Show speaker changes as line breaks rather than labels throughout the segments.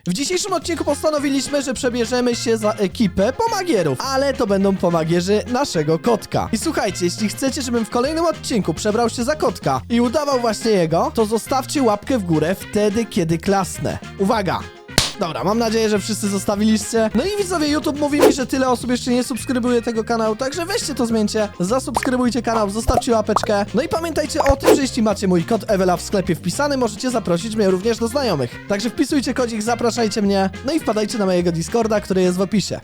W dzisiejszym odcinku postanowiliśmy, że przebierzemy się za ekipę pomagierów, ale to będą pomagierzy naszego kotka. I słuchajcie, jeśli chcecie, żebym w kolejnym odcinku przebrał się za kotka i udawał właśnie jego, to zostawcie łapkę w górę wtedy, kiedy klasnę. Uwaga! Dobra, mam nadzieję, że wszyscy zostawiliście. No i widzowie, YouTube mówi mi, że tyle osób jeszcze nie subskrybuje tego kanału, także weźcie to zmieńcie, zasubskrybujcie kanał, zostawcie łapeczkę. No i pamiętajcie o tym, że jeśli macie mój kod Ewela w sklepie wpisany, możecie zaprosić mnie również do znajomych. Także wpisujcie kodzik, zapraszajcie mnie, no i wpadajcie na mojego Discorda, który jest w opisie.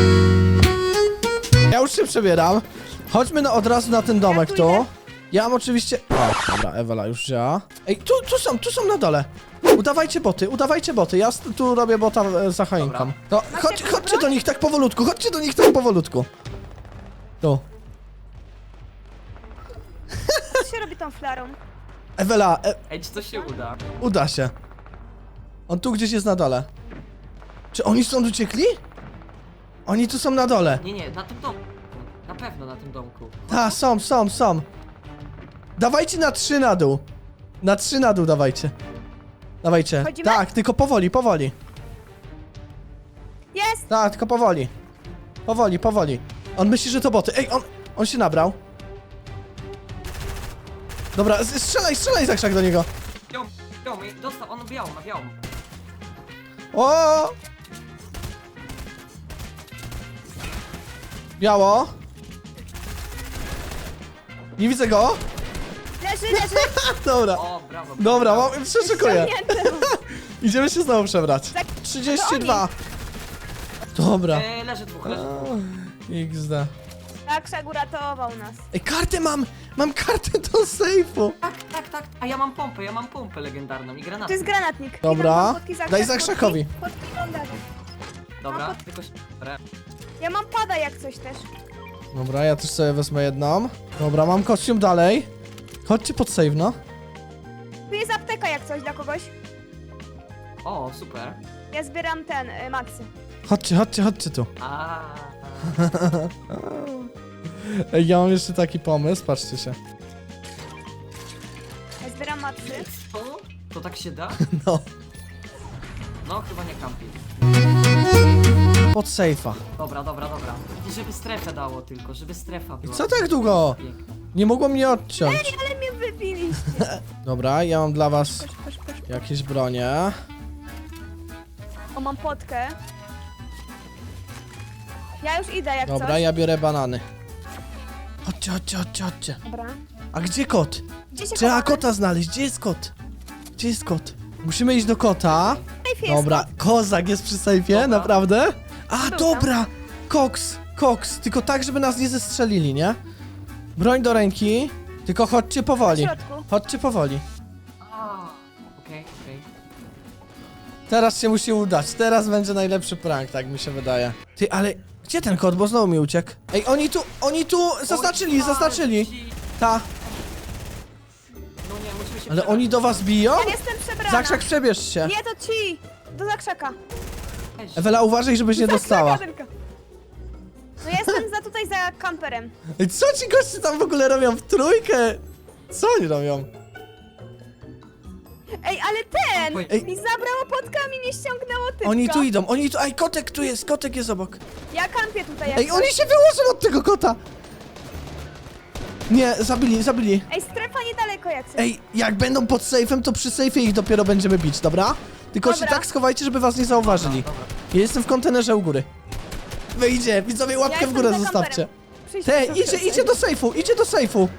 Ja już się przebieram. Chodźmy od razu na ten domek tu. Ja mam oczywiście... O, dobra, Ewela już wzięła. Ej, tu są na dole. Udawajcie boty, ja tu robię bota za choinką. No, chodźcie do nich tak powolutku, Tu.
Co się robi tą flarą?
Ewela,
Ej, czy to się uda?
uda się. On tu gdzieś jest na dole. Czy oni stąd uciekli? Oni tu są na dole.
Nie, na tym domku. Na pewno na tym domku.
Ta, są. Dawajcie na 3 na dół. Na 3 na dół dawajcie. Dawajcie.
Chodzimy?
Tak, tylko powoli.
Jest!
Tak, tylko powoli. Powoli. On myśli, że to boty. Ej, on się nabrał. Dobra, strzelaj za krzak do niego.
Białą, dostał, on białą, ma białą.
O! Biało. Nie widzę go.
Leży!
Dobra.
O, brawo.
Dobra, przeszukuję.
Ściągnięty.
Idziemy się znowu przebrać. 32. Dobra.
Leży dwóch.
XD.
Tak, Krzak uratował nas.
Ej, kartę mam! Mam kartę do sejfu.
Tak. A ja mam pompę legendarną i granat.
To jest granatnik.
Dobra.
I mam podki za
Daj
krzak,
za krzakowi.
Podki wądali.
Dobra, tylko...
Ja mam pada jak coś też.
Dobra, ja też sobie wezmę jedną. Dobra, mam kostium dalej. Chodźcie pod save, no.
Tu jest apteka jak coś dla kogoś.
O, super.
Ja zbieram maksy.
Chodźcie tu.
A.
Ej, ja mam jeszcze taki pomysł, patrzcie się.
Ja zbieram maksy.
Co? To tak się da?
No.
No, chyba nie kampi.
Pod sejfa.
Dobra. I żeby strefę dało tylko, żeby strefa była.
Co tak długo?
Piękna.
Nie mogło mnie odciąć.
Ale mnie wybiliście.
Dobra, ja mam dla was
Kosz.
jakieś bronie.
O, mam potkę. Ja już idę jak
Dobra,
coś.
ja biorę banany. Chodźcie.
Dobra.
A gdzie kot?
Gdzie się
Trzeba
chowamy?
kota znaleźć. Gdzie jest kot? Musimy iść do kota.
Safe jest
Dobra,
kot.
kozak jest przy sejfie,
Dobra.
naprawdę? A,
Był
dobra! Koks, tylko tak, żeby nas nie zestrzelili, nie? Broń do ręki, tylko chodźcie powoli.
Na środku.
Chodźcie powoli.
A, okej.
Teraz się musi udać, teraz będzie najlepszy prank, tak mi się wydaje. Ty, ale gdzie ten kot, bo znowu mi uciekł? Ej, oni tu zaznaczyli. Ta,
No nie, musimy się
ale
przebrać.
oni do was biją?
Ja jestem przebrana.
Zakrzak, przebierz się.
Nie, to ci. Do zakrzaka.
Weź.
Ewela, uważaj, żebyś nie dostała.
Zakrzaka tylko. No ja jestem tutaj za kamperem.
Ej, co ci goście tam w ogóle robią w trójkę? Co oni robią?
Ej, ale ten
Ej.
mi zabrało podkami, nie ściągnęło typka.
Oni tu idą. Ej, kotek jest obok.
Ja kampię tutaj jak
Ej,
coś.
oni się wyłożą od tego kota! Nie, zabili.
Ej, strefa niedaleko jak coś.
Ej, jak będą pod sejfem, to przy sejfie ich dopiero będziemy bić, dobra? Tylko się
Dobra.
tak schowajcie, żeby was nie zauważyli.
Dobra.
Ja jestem w kontenerze u góry. Wyjdzie, widzowie, łapkę w
jestem
górę
za
zostawcie.
kamperem. Przyjdźcie
Idzie do sejfu.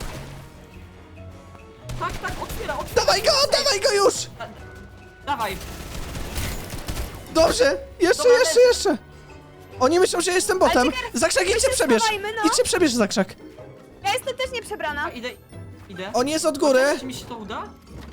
Tak, otwiera.
Dawaj go już!
Dawaj.
Dobrze,
Dobra,
jeszcze. Oni myślą, że jestem botem.
Ale czekaj,
Zakrzak,
my
idźcie
się
przebierz.
schowajmy, no.
Idźcie przebierz zakrzak.
Ja jestem też nieprzebrana.
A, idę.
On jest od góry.
Czy mi się to uda?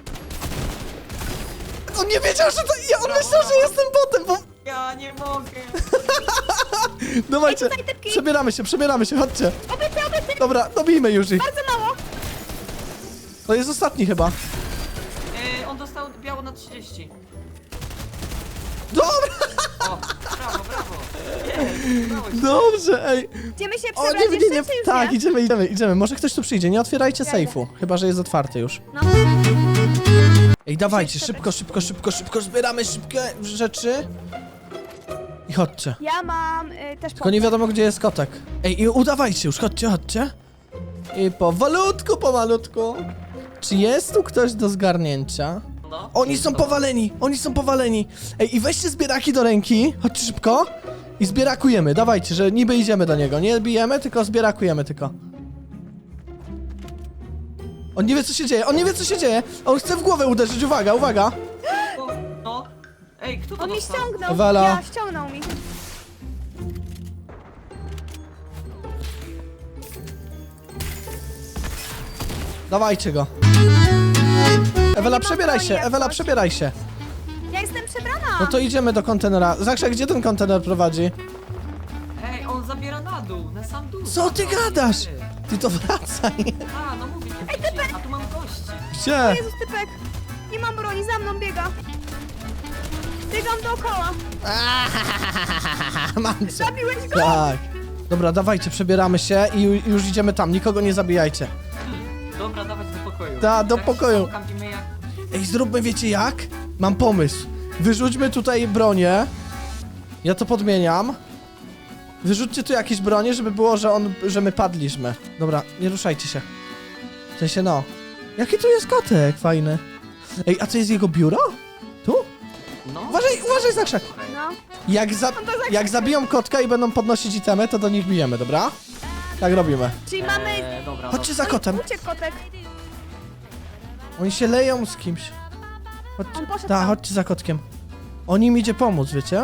On nie wiedział, że to... On
Brawo,
myślał, że
brawo.
jestem botem, bo...
Ja nie mogę.
Dawajcie,
Ej, tutaj typki.
przebieramy się, chodźcie.
Obyty.
Dobra, dobijmy już ich.
Bardzo mało.
To jest ostatni chyba.
On dostał biało na 30.
Dobra,
O, brawo. Jest, udało się.
dobrze, ej.
Idziemy się
O,
przebrać jeszcze, czy już
Tak,
nie?
idziemy. Może ktoś tu przyjdzie, nie otwierajcie
Jadę.
sejfu. Chyba, że jest otwarty już.
No.
Ej, dawajcie, szybko, zbieramy szybkie rzeczy. I chodźcie.
Ja mam też
Tylko nie wiadomo, gdzie jest kotek. Ej, i udawajcie już, chodźcie. I pomalutku. Czy jest tu ktoś do zgarnięcia?
No,
Oni
jest
są
to.
powaleni. Ej, i weźcie zbieraki do ręki. Chodźcie szybko. I zbierakujemy, dawajcie, że niby idziemy do niego. Nie bijemy, tylko zbierakujemy tylko. On nie wie, co się dzieje. On chce w głowę uderzyć, uwaga.
O, no. Ej, kto to
On mnie
dostał?
ściągnął.
Ewela.
Ja, ściągnął mi.
Dawajcie go. Ewela,
mam
przebieraj
broni
się,
jak
Ewela,
coś.
przebieraj się.
Ja jestem przebrana.
No to idziemy do kontenera. Zakrza, gdzie ten kontener prowadzi?
Ej, on zabiera na dół, na sam dół.
Co ty gadasz? Ty to wracaj.
A, no mówię, a tu mam gości.
Gdzie?
Jezus, typek. Nie mam broni, za mną biega. Biegam dookoła.
Mam cię.
Zabiłeś go?
Tak. Dobra, dawajcie, przebieramy się i już idziemy tam. Nikogo nie zabijajcie.
Dobra, dawać do pokoju.
Da, do
Tak
pokoju.
się kampimy jak...
Ej, zróbmy, wiecie jak? Mam pomysł. Wyrzućmy tutaj bronię. Ja to podmieniam. Wyrzućcie tu jakieś bronie, żeby było, że my padliśmy. Dobra, nie ruszajcie się. W sensie, no. Jaki tu jest kotek fajny. Ej, a co jest jego biuro? Tu?
No.
Uważaj, Zakrzak.
No.
Jak zabiją kotka i będą podnosić itemy, to do nich bijemy, dobra? Tak robimy.
Czyli mamy...
Dobra,
Chodźcie za kotem.
Uciekł kotek.
Oni się leją z kimś.
On poszedł
Ta,
tam.
chodźcie za kotkiem. On im idzie pomóc, wiecie?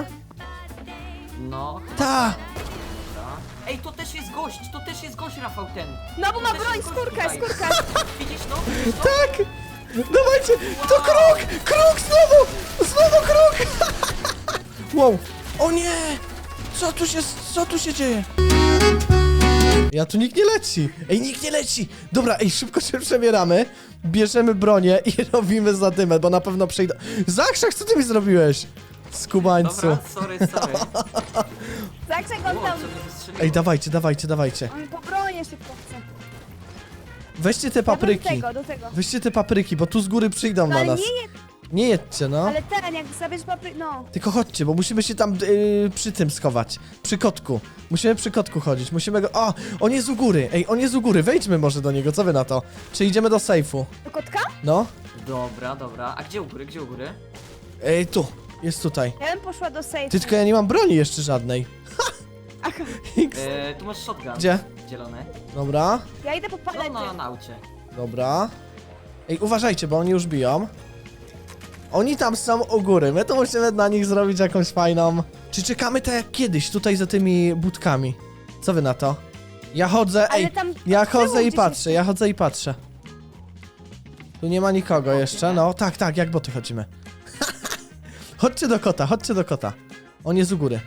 No.
Ta!
Dobra. Ej, to też jest gość, Rafał, ten.
No bo ma
To też
broń,
jest gość
skórkę,
tutaj.
skórkę.
Widzisz to?
Tak! Dawajcie! To kruk! Kruk znowu! Znowu kruk! Wow! O nie! Co tu się dzieje? Ja tu nikt nie leci! Ej, nikt nie leci! Dobra, ej, szybko się przebieramy, bierzemy bronię i robimy zadymę, bo na pewno przyjdą... Zakrzak, co ty mi zrobiłeś? Skubańcu.
Dobra, sorry.
Zakrzek on
O,
tam.
co mnie wystrzeliło?
Ej, dawajcie.
On po bronię szybko chce.
Weźcie te
Ja do
papryki.
tego.
Weźcie te papryki, bo tu z góry przyjdą
No,
na
ale
nas.
nie,
Nie jedźcie, no.
ale ten, jak zabierz papryk, no.
Tylko chodźcie, bo musimy się tam przy tym schować. Przy kotku. Musimy przy kotku chodzić. Musimy go... O! On jest u góry. Ej, on jest u góry. Wejdźmy może do niego. Co wy na to? Czy idziemy do sejfu?
Do kotka?
No.
Dobra. A gdzie u góry?
Ej, tu. Jest tutaj.
Ja bym poszła do safe.
Ty, tylko ja nie mam broni jeszcze żadnej.
Aha.
X.
Tu masz shotgun.
Gdzie?
Zielony.
Dobra.
Ja idę po
No,
palety.
na aucie.
Dobra. Ej, uważajcie, bo oni już biją. Oni tam są u góry. My tu musimy na nich zrobić jakąś fajną... Czy czekamy tak jak kiedyś, tutaj za tymi budkami? Co wy na to? Ja chodzę,
Ale
ej,
tam
ja
było
chodzę i
gdzieś
patrzę. Tu nie ma nikogo jeszcze, no tak, jak boty chodzimy. Chodźcie do kota. On jest u góry.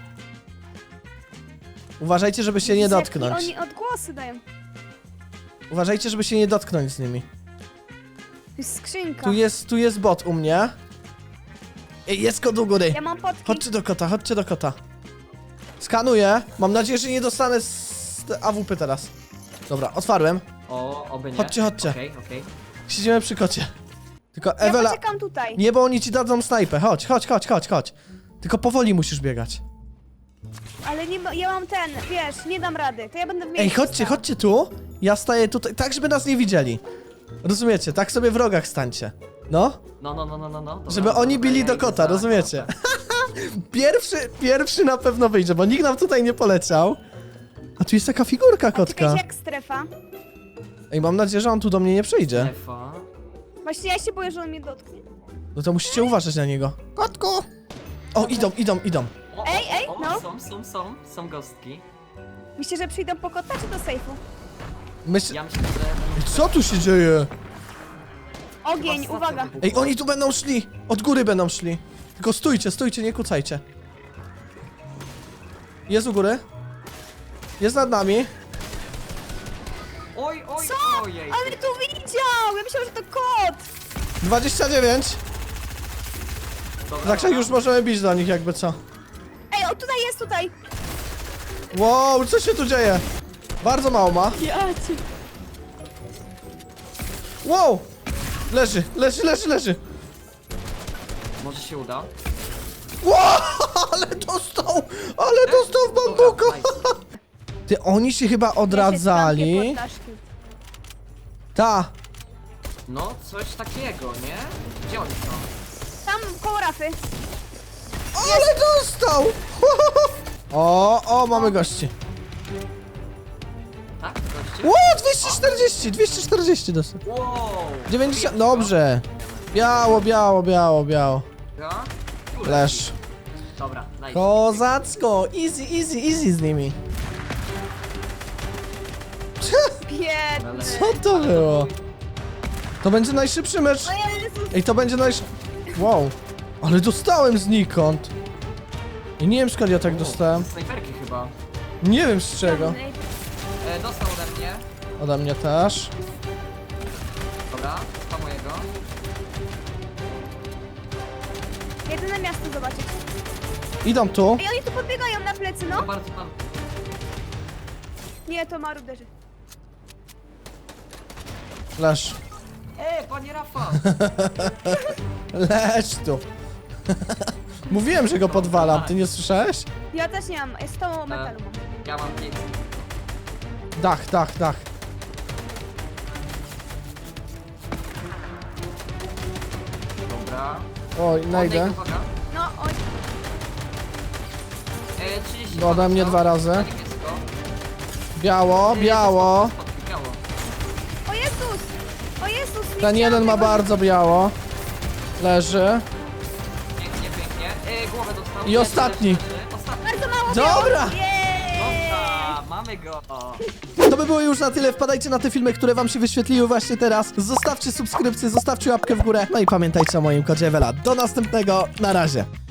Uważajcie, żeby się nie
Jezu, jak
dotknąć.
Oni odgłosy dają.
Uważajcie, żeby się nie dotknąć z nimi.
To jest skrzynka.
Tu jest bot u mnie. Ej, jest kot u góry.
Ja mam potki.
Chodźcie do kota. Skanuję. Mam nadzieję, że nie dostanę z AWP teraz. Dobra, otwarłem.
Oby nie.
Chodźcie.
Okej.
Siedzimy przy kocie. Tylko
Ja
Ewela...
poczekam tutaj.
Nie, bo oni ci dadzą snajpę. Chodź. Tylko powoli musisz biegać.
Ale nie, ja mam ten, wiesz, nie dam rady. To ja będę w
Ej,
miejscu
chodźcie tu. Ja staję tutaj, tak żeby nas nie widzieli. Rozumiecie? Tak sobie w rogach stańcie. No.
No. Dobra,
Żeby oni
dobra,
bili
ja
do
idę
kota,
za
rozumiecie?
kota.
Pierwszy na pewno wyjdzie, bo nikt nam tutaj nie poleciał. A tu jest taka figurka
A
kotka.
czekaj, jak strefa?
Ej, mam nadzieję, że on tu do mnie nie przyjdzie.
Strefa.
Właśnie ja się boję, że on mnie dotknie.
No to musicie uważać na niego. Kotku! O, idą.
O,
Ej,
o,
no.
Są gostki.
Myślicie, że przyjdą po kota czy do sejfu?
Ja myślę, że...
Co tu się dzieje?
Ogień,
Chyba
uwaga.
stacja
Ej, oni tu będą szli. Od góry będą szli. Tylko stójcie, nie kucajcie. Jest u góry. Jest nad nami.
Oj,
Co?
ojej.
Ale tu widział! Ja myślałam, że to kot!
29.
Dobra,
Także już możemy bić do nich, jakby co.
Ej, o tutaj jest, tutaj!
Wow, co się tu dzieje? Bardzo mało ma.
Ja cię...
Wow! Leży.
Może się uda.
Ło, ale dostał w bambuko.
Dobra, nice.
Ty, oni się chyba odradzali. Ta.
No, coś takiego, nie? Gdzie oni są?
Tam koło rafy.
Ale dostał! O, mamy gości.
Tak, goście?
Ło, 240 dostał.
Wow!
90, dobrze. Biało.
Ja?
Lesz.
Dobra, nice.
Kozacko, easy z nimi.
Biedny.
Co to było? To będzie najszybszy mecz.
O Jezus.
Ej, to będzie Wow. Ale dostałem znikąd. I nie wiem skąd ja tak dostałem.
Z snajperki chyba.
Nie wiem z czego.
Dostał ode mnie.
Ode mnie też.
Dobra, to mojego.
Jedę na miasto zobaczyć.
Idą tu.
Ej, oni tu podbiegają na plecy, no.
To bardzo tam.
Nie, to maruderzy.
Lesz.
Panie Rafał!
Lecz tu. Mówiłem, że go podwalam, ty nie słyszałeś?
Ja też nie mam, 100 metalu mam.
Ja mam 5.
Dach.
Dobra.
Oj, najdę.
Uwaga.
No, oj.
30.
Ode mnie 2 razy.
Na niebiesko.
Biało.
Biało.
O Jezus, nie
Ten
chciałam
jeden ma
tego
bardzo biało. Leży.
Pięknie. Głowę dostał.
I ostatni.
Ostatni.
Bardzo mało
Dobra.
białych. Jej!
Dobra, mamy go.
To by było już na tyle. Wpadajcie na te filmy, które wam się wyświetliły właśnie teraz. Zostawcie subskrypcję, zostawcie łapkę w górę. No i pamiętajcie o moim kodzie Ewela. Do następnego. Na razie.